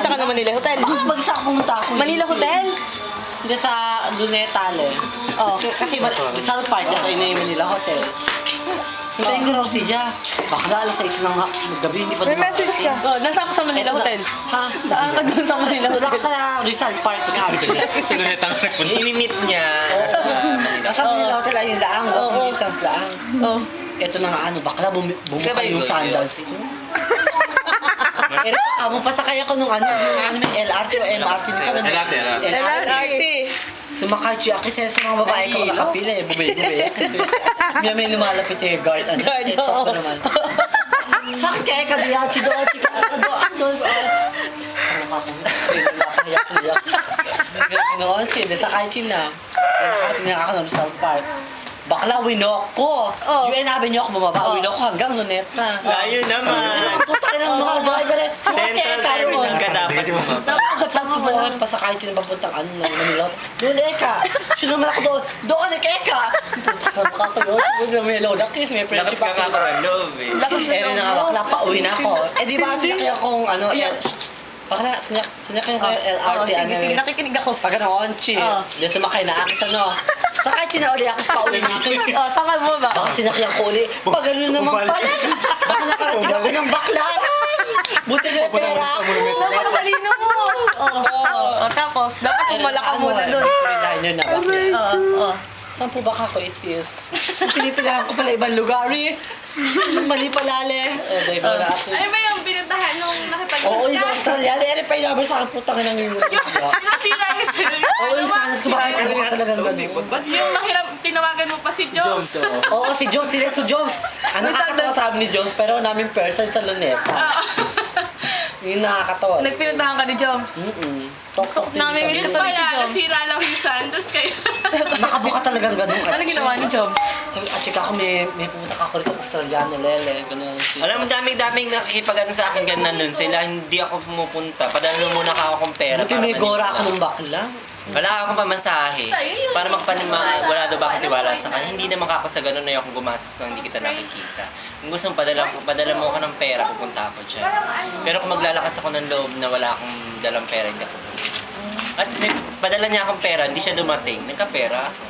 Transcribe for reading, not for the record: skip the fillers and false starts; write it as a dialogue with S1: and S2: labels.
S1: ka na Manila Hotel?
S2: Baka bagsak pumunta ako.
S1: Manila Hotel?
S2: Hindi sa Lunetale.
S1: Oh.
S2: Kasi Rizal Park, kasi yun yung Manila Hotel. Hintayin ko raw siya. Baka alas 6 ng gabi, hindi pa
S1: May message ka. Oh, nasa ako sa Manila Hotel.
S2: Ha?
S1: Saan ka dun sa Manila
S2: Wala
S1: Hotel?
S2: ka sa Rizal Park nga.
S3: Sa luneta nga nagpunta.
S4: Inimit niya.
S2: Sa Manila Hotel ayun laang, walking distance laang.
S1: Oh.
S2: Ito na nga bakla bumukay yung sandals ko. Amo pa sakay ako nung may LRT o MRT ka nung
S1: LRT.
S2: Sumakay siya kasi sa mga babae ko nakapila bumili. May lumalapit yung guard.
S1: Guard,
S2: Ito
S1: oo.
S2: ko naman. Bakit kaya ka diya? Chido, ano? Noon, sakay siya na. Tingnan ako ng Rizal Park. Bakla, winok ko. Yung inabi niyo ako bumaba, winok ko hanggang Luneta.
S4: Layo naman.
S2: Puta ka ng mga driver eh.
S4: Central Terminal ka dapat bumaba.
S2: Tama mo naman pasakay ko na papuntang Manila. Doon, Eka. Sino naman ako doon? Doon, Eka. Sa mukha ko doon. Doon may load up kiss, may
S4: Lakas
S2: friendship
S4: ka nga
S2: ako.
S4: ka loob eh.
S2: Eh, na nga bakla, pauwi na ako. Eh, di ba sinakyan kong bakla, sinakyan ko yung LRT.
S1: Sige, nakikinig ako.
S2: Pag chi. Di sumakay na akis Sakay chi na uli akis pauwi na akis.
S1: Saan ka mo ba?
S2: Baka sinakyan ko uli. Pag ano naman pala. Baka nakarating ako ng baklaran. Buti na yung pera ako.
S1: Napakatalino mo. Tapos, dapat humala ka muna dun.
S2: Three-liner na bakla.
S1: Oo.
S2: Saan po ba ako itis? Pinipilahan ko pala ibang lugar eh. Mali palale. Dahil mo natin.
S5: Ay ba yung pinuntahan nung nakipag-
S2: Oo, yung Australia. Ere pa yung sa akin putang ng yun.
S5: Pinasira yung sarili.
S2: Oo, yung sanas ko bakit ano ka talagang ganun.
S5: Yung tinawagan mo pa si Jones.
S2: Oo, si Jones, si Jones. Ano nakakatawa sa amin ni Jones, pero namin person sa Luneta. Yung nakakatawa.
S1: Nagpinuntahan ka ni Joms.
S2: Tok-tok din
S1: Namimiss
S2: kami.
S1: ka tuloy si
S5: Kaya
S1: Joms.
S5: nasira lang yung sandals kayo.
S2: Nakabuka talagang ganun.
S1: Ano ginawa ni Joms?
S2: At saka ako may pumunta ka ako rito Australiano, Lele. Ganun.
S4: Alam mo, daming nakikipag-ano sa akin ganun nun. Sila, hindi ako pumupunta. Padala muna ka akong pera.
S2: Buti may gora ako ng bakla.
S4: Wala akong pamasahe. Para wala daw ba akong tiwala sa kanya. Hindi naman ako sa ganun na yung gumastos na hindi kita nakikita. Kung gusto mo, padala mo ako ng pera, pupunta ako dyan. Pero kung maglalakas ako ng loob na wala akong dalang pera, hindi ako pupunta. At padala niya akong pera, hindi siya dumating. Nagkapera ako.